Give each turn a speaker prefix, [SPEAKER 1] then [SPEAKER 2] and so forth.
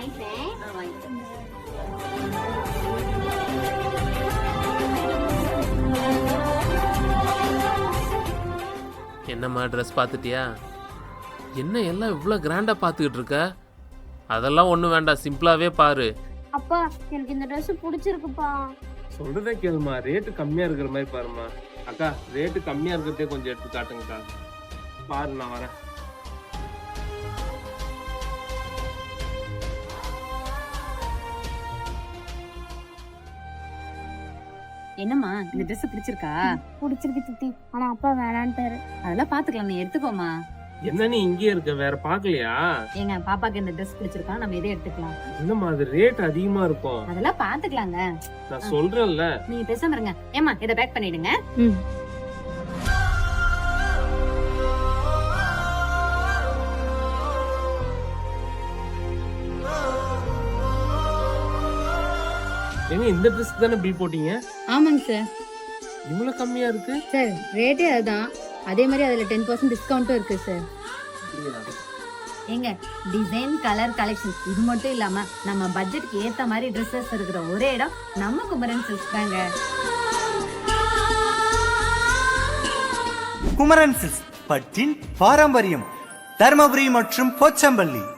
[SPEAKER 1] வாங்கிக்கிறேன்.
[SPEAKER 2] என்னம்மா ட்ரெஸ் பார்த்துட்டியா? என்ன எல்லாம் இவ்வளோ கிராண்டாக பார்த்துக்கிட்டு இருக்க? அதெல்லாம் ஒன்றும் வேண்டாம், சிம்பிளாகவே பாரு.
[SPEAKER 1] அப்பா எனக்கு இந்த ட்ரெஸ் பிடிச்சிருக்குப்பா.
[SPEAKER 2] சொல்றதே கேளுமா, ரேட்டு கம்மியாக இருக்கிற மாதிரி பாருமா. அக்கா ரேட்டு கம்மியாக இருக்கிறதே கொஞ்சம் எடுத்து காட்டுங்கக்கா. பாரு நான் வரேன்.
[SPEAKER 3] என்னம்மா இந்த ட்ரெஸ் பிடிச்சிருக்கா?
[SPEAKER 1] பிடிச்சிருக்கு சித்தி, ஆனா அப்பா வேணான்ட்டாரு.
[SPEAKER 3] அதெல்லாம் பாத்துக்கலாம், நீ எடுத்துக்கோமா.
[SPEAKER 2] என்ன நீ இங்கே இருக்க, வேற பாக்கலையா?
[SPEAKER 3] ஏங்க பாப்பாக்கு இந்த ட்ரெஸ் பிடிச்சிருக்கா, நம்ம இதே எடுத்துக்கலாம்.
[SPEAKER 2] என்னம்மா அது ரேட் அதிகமா இருக்கும்.
[SPEAKER 3] அதெல்லாம் பாத்துக்கலாங்க,
[SPEAKER 2] நான் சொல்றேன்ல.
[SPEAKER 3] நீங்க பேசாம இருங்க. ஏமா இதை பேக் பண்ணிடுங்க.
[SPEAKER 2] ஏங்க இந்த ட்ரெஸ் தானே பில் போட்டீங்க?
[SPEAKER 4] ஆமாங்க சார்.
[SPEAKER 2] இவ்வளவு கம்மியா இருக்கு
[SPEAKER 4] சார், ரேட்டே அதுதான். அதே மாதிரி அதுல 10% டிஸ்கவுண்ட்டும் இருக்கு சார்.
[SPEAKER 3] ஏங்க டிசைன், கலர், கலெக்ஷன் இது மட்டும் இல்லாம நம்ம பட்ஜெட்க்கு ஏத்த மாதிரி ட்ரெஸ்ஸஸ் இருக்கிற ஒரே இடம் நம்ம குமரன் சில்க்ஸ் தாங்க.
[SPEAKER 5] குமரன் சில்க்ஸ் பட்டின் பாரம்பரியம், தர்மபுரி மற்றும் போச்சம்பள்ளி.